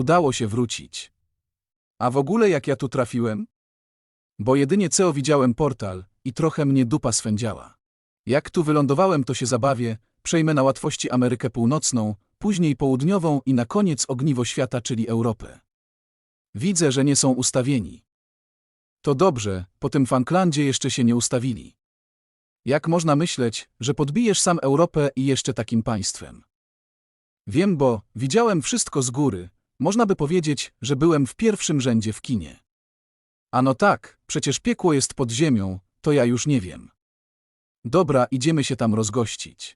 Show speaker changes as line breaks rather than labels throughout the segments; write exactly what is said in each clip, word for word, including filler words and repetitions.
Udało się wrócić. A w ogóle jak ja tu trafiłem? Bo jedynie co widziałem portal i trochę mnie dupa swędziała. Jak tu wylądowałem, to się zabawię, przejmę na łatwości Amerykę Północną, później Południową i na koniec ogniwo świata, czyli Europę. Widzę, że nie są ustawieni. To dobrze, po tym Falklandzie jeszcze się nie ustawili. Jak można myśleć, że podbijesz sam Europę i jeszcze takim państwem? Wiem, bo widziałem wszystko z góry, można by powiedzieć, że byłem w pierwszym rzędzie w kinie. Ano tak, przecież piekło jest pod ziemią, to ja już nie wiem. Dobra, idziemy się tam rozgościć.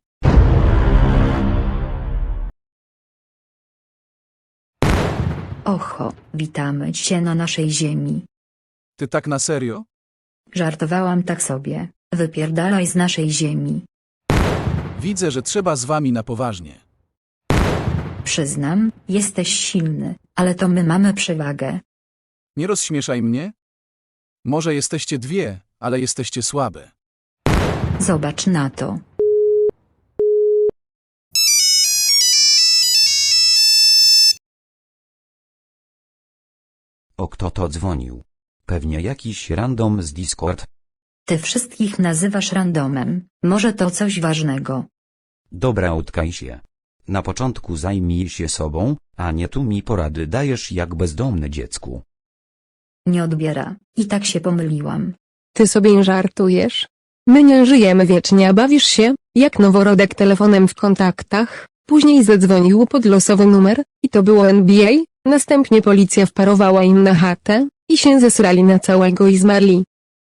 Oho, witamy cię na naszej ziemi.
Ty tak na serio?
Żartowałam tak sobie, wypierdalaj z naszej ziemi.
Widzę, że trzeba z wami na poważnie.
Przyznam, jesteś silny, ale to my mamy przewagę.
Nie rozśmieszaj mnie? Może jesteście dwie, ale jesteście słabe.
Zobacz na to.
O, kto to dzwonił? Pewnie jakiś random z Discord.
Ty wszystkich nazywasz randomem, może to coś ważnego.
Dobra, utkaj się. Na początku zajmij się sobą, a nie tu mi porady dajesz jak bezdomne dziecku.
Nie odbiera, i tak się pomyliłam.
Ty sobie żartujesz? My nie żyjemy wiecznie, a bawisz się, jak noworodek telefonem w kontaktach, później zadzwonił pod losowy numer, i to było N B A, następnie policja wparowała im na chatę, i się zesrali na całego i zmarli.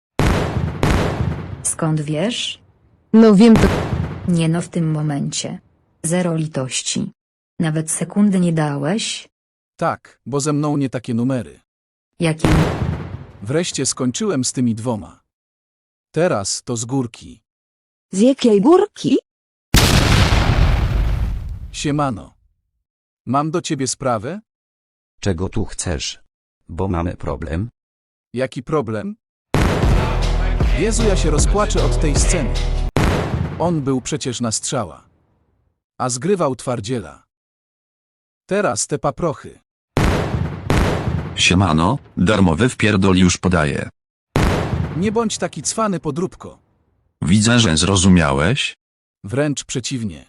Skąd wiesz?
No wiem to...
Nie no, w tym momencie. Zero litości. Nawet sekundy nie dałeś?
Tak, bo ze mną nie takie numery.
Jakim?
Wreszcie skończyłem z tymi dwoma. Teraz to z górki.
Z jakiej górki?
Siemano. Mam do ciebie sprawę?
Czego tu chcesz? Bo mamy problem.
Jaki problem? Jezu, ja się rozpłaczę od tej sceny. On był przecież na strzała. A zgrywał twardziela. Teraz te paprochy.
Siemano, darmowy wpierdol już podaję.
Nie bądź taki cwany, podróbko.
Widzę, że zrozumiałeś.
Wręcz przeciwnie.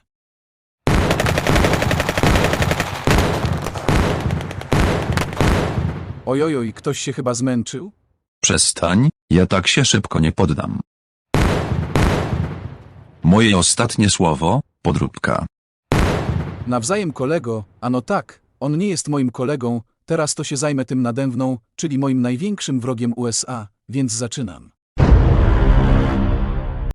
Ojojoj, ktoś się chyba zmęczył?
Przestań, ja tak się szybko nie poddam. Moje ostatnie słowo, podróbka.
Nawzajem kolego, ano tak, on nie jest moim kolegą, teraz to się zajmę tym nade mną, czyli moim największym wrogiem U S A, więc zaczynam.